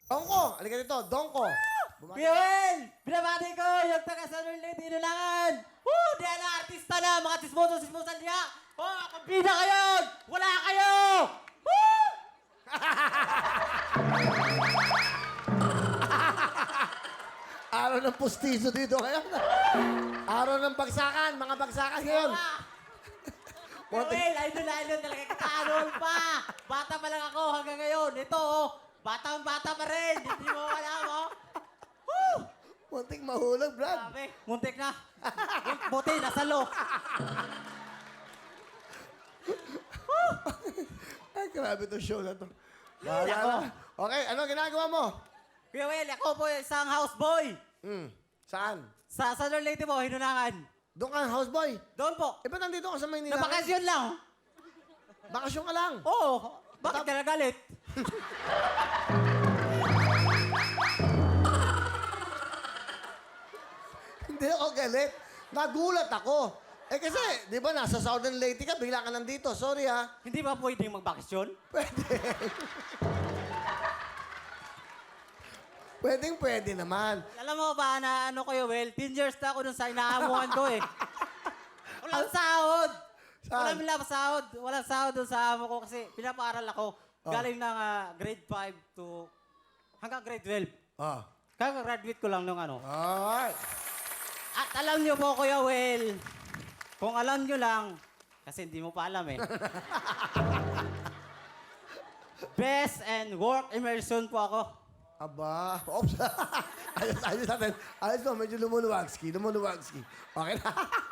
Dongko! Halika dito, Dongko! Bumati. Piel! Binabati ko yung taga San Luis Inulangan! Woo! Di na artista na! Mga tismoso-tismosan niya! Oh, kumpida kayo! Wala kayo! Woo! Araw ng pustiso dito kayo. Araw ng bagsakan, mga bagsakan ngayon. Piel, idol talaga kita-anol pa! Bata pa lang ako hanggang ngayon. Ito, oh, batang-bata pa rin! Hindi mo alam, oh! Woo! Muntik mahulog, Brad. Sabi, muntik na. Buti, nasa lo. Ay, grabe itong show na to. Ay, Bahala ako. na. Okay, ano ginagawa mo? Kuya Will, ako po isang houseboy. Saan? Sa San Luis mo, Hinunangan. Doon ka, houseboy. Doon po. Eh, ba't nandito ka sa Maynila? Nabakasyon lang. Bakasyon ka lang. Oo. Bakit ka nagalit? Hindi ako galit. Nagulat ako. Eh kasi, di ba, nasa Southern Leyte ka, bigla ka nandito. Sorry ha. Hindi ba pwedeng magbakasyon? Pwede naman. Alam mo ba na ano Kuya Will, 10 years na ako dun sa inaamuhan ko eh. Walang sahod. Saan? Walang sahod dun sa amo ko kasi pinapaaral ako. Oh. Galing ng grade 5 to hanggang grade 12. Ah. Kaka-graduate ko lang nung ano. Alright. At alam niyo po, Kuya Will, kung alam niyo lang, kasi hindi mo pa alam eh. Best and work immersion po ako. Aba. Oops. ayos natin. Ayos mo, medyo lumuluwagski. Okay na.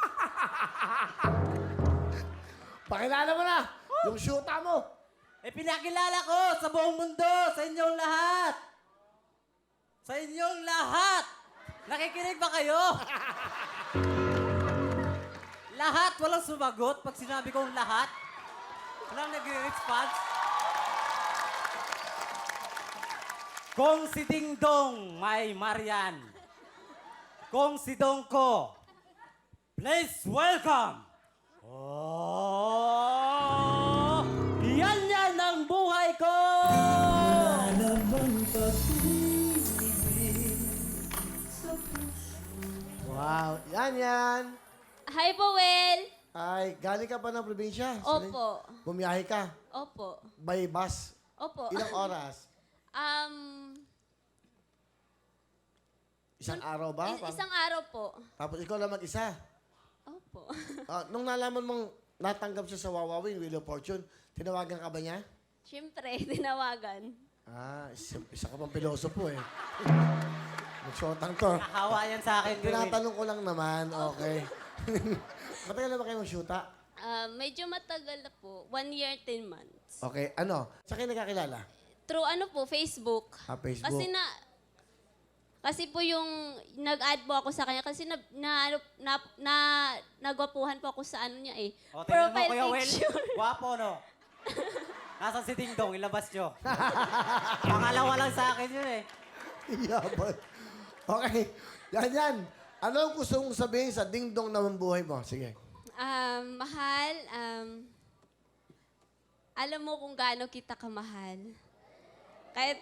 Pakilala mo na. Yung shoota mo. Eh, pinakilala ko sa buong mundo, sa inyong lahat. Sa inyong lahat. Nakikinig ba kayo? Lahat, walang sumagot pag sinabi kong lahat. Walang nag-response. Kung si Dingdong may Marian. Kung si Dongko, please welcome. Oh, yan ang buhay ko! Wow. Yan. Hi po, Will. Ay, galing ka pa ng probinsya? Opo. Bumiyahe ka? Opo. By bus? Opo. Ilang oras? Isang araw ba? Isang araw po. Tapos ikaw lang mag-isa? Opo. Nung nalaman mong natanggap siya sa Wawawin, Wheel of Fortune, tinawagan ka ba niya? Siyempre, tinawagan. Isa ka pang pilosopo eh. Nagshotang to. Nakahawa yan sa akin. Kuya Will. Tinatanong ko lang naman, okay. Matagal na ba kayo mag-shoota? Medyo matagal na po. 1 year, 10 months. Okay, sa kayo nagkakilala? Through ano po, Facebook. Facebook. Kasi po yung nag-add po ako sa kanya kasi nagwapuhan po ako sa ano niya eh. O, tingnan mo, Profile Kuya Will. picture. Guwapo, no? Nasaan si Dingdong? Ilabas nyo. Pangalawa lang sa akin yun eh. Yaman. Okay, yan. Ano ang gusto mong sabihin sa dingdong na buhay mo? Sige. Mahal, alam mo kung gaano kita kamahal. Kahit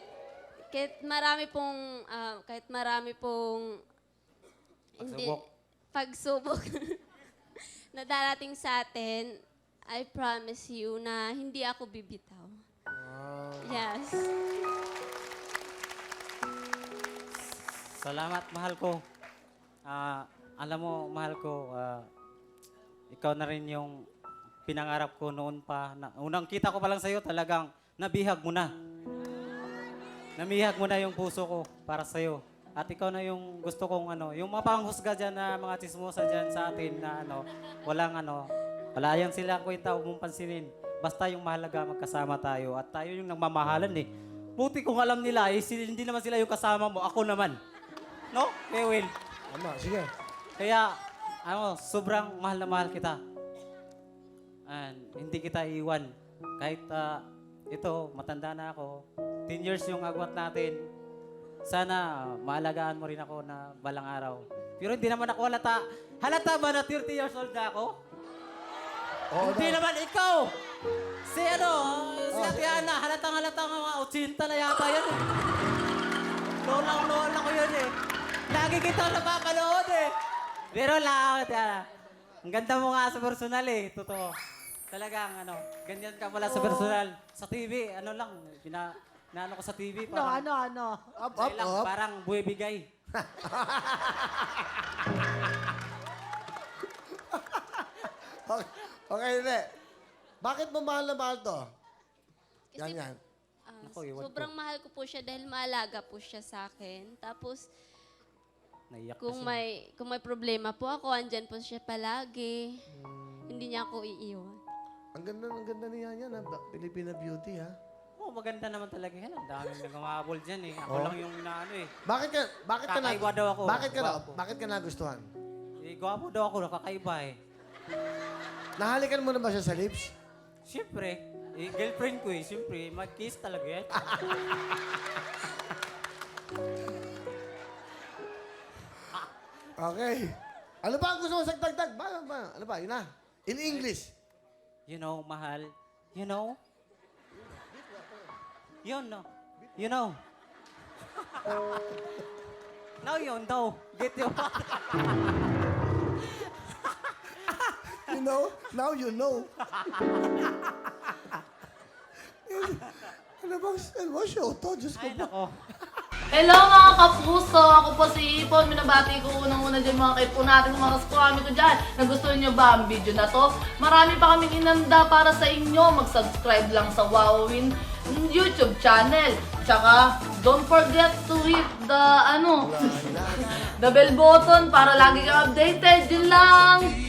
marami pong pagsubok na darating sa atin, I promise you na hindi ako bibitaw. Yes. Salamat, mahal ko. Alam mo, mahal ko, ikaw na rin yung pinangarap ko noon pa. Unang kita ko pa lang sa'yo, talagang nabihag mo na. Namihag mo na yung puso ko para sa'yo. At ikaw na yung gusto kong yung mapanghusga dyan na mga chismosa dyan sa atin na wala yan sila kwenta, huwag mong pansinin. Basta yung mahalaga magkasama tayo at tayo yung nagmamahalan eh. Buti kung alam nila hindi naman sila yung kasama mo, ako naman. No? Kuya Will. Tama, sige. Kaya, sobrang mahal na mahal kita. And hindi kita iwan. Kahit ito, matanda na ako. 10 years yung agwat natin. Sana maalagaan mo rin ako na balang araw. Pero hindi naman ako halata. Halata ba na 30 years old na ako? Oo Hindi daw. naman ikaw. Si Ate Ana, halatang mga 80 na yata yan. Lola ko yun eh. Lagi kita napapanood eh. Pero lang, ang ganda mo nga sa personal eh. Totoo. Talagang ganyan ka pala sa personal. Sa TV, lang, naano ko sa TV. Parang, Up, Ay lang, up. parang buhay bigay. Okay, okay, hindi. Bakit mo mahal na mahal to? Kasi, Yan. Naku, iwan sobrang mahal ko po siya dahil maalaga po siya sa akin. Tapos, Naiyak kung kasi. may problema po ako, andyan po siya palagi. Hindi niya ako iiwan. Ang ganda niya yan, ha? Filipina beauty, ha? Oh, maganda naman talaga yan. Ang daming nagmamabol dyan eh. Ako lang yung naano eh. Bakit ka Kakaiba daw ako. Gwapo. Bakit ka nagustuhan? Eh, gwapo daw ako, nakakaiba eh. Nahalikan mo na ba siya sa lips? Siyempre, girlfriend ko eh. Siyempre, mag-kiss talaga yan. Okay. Ano ba ang gusto mo sagdagdag? Ano ba? Yun na. In English. You know, mahal. You know? Yun, no? You know? Now you know. Get you. You know? Now you know. Ano bang show to? Diyos ko Ay, po. nako. Hello mga kapuso! Ako po si Ipon. Minabati ko unang-una dyan mga kaipo natin, mga kaskwami ko dyan. Nagustuhan nyo ba ang video na to? Marami pa kaming inanda para sa inyo. Mag-subscribe lang sa Wowin YouTube channel. Tsaka, don't forget to hit the, the bell button para lagi kang updated. Yun lang!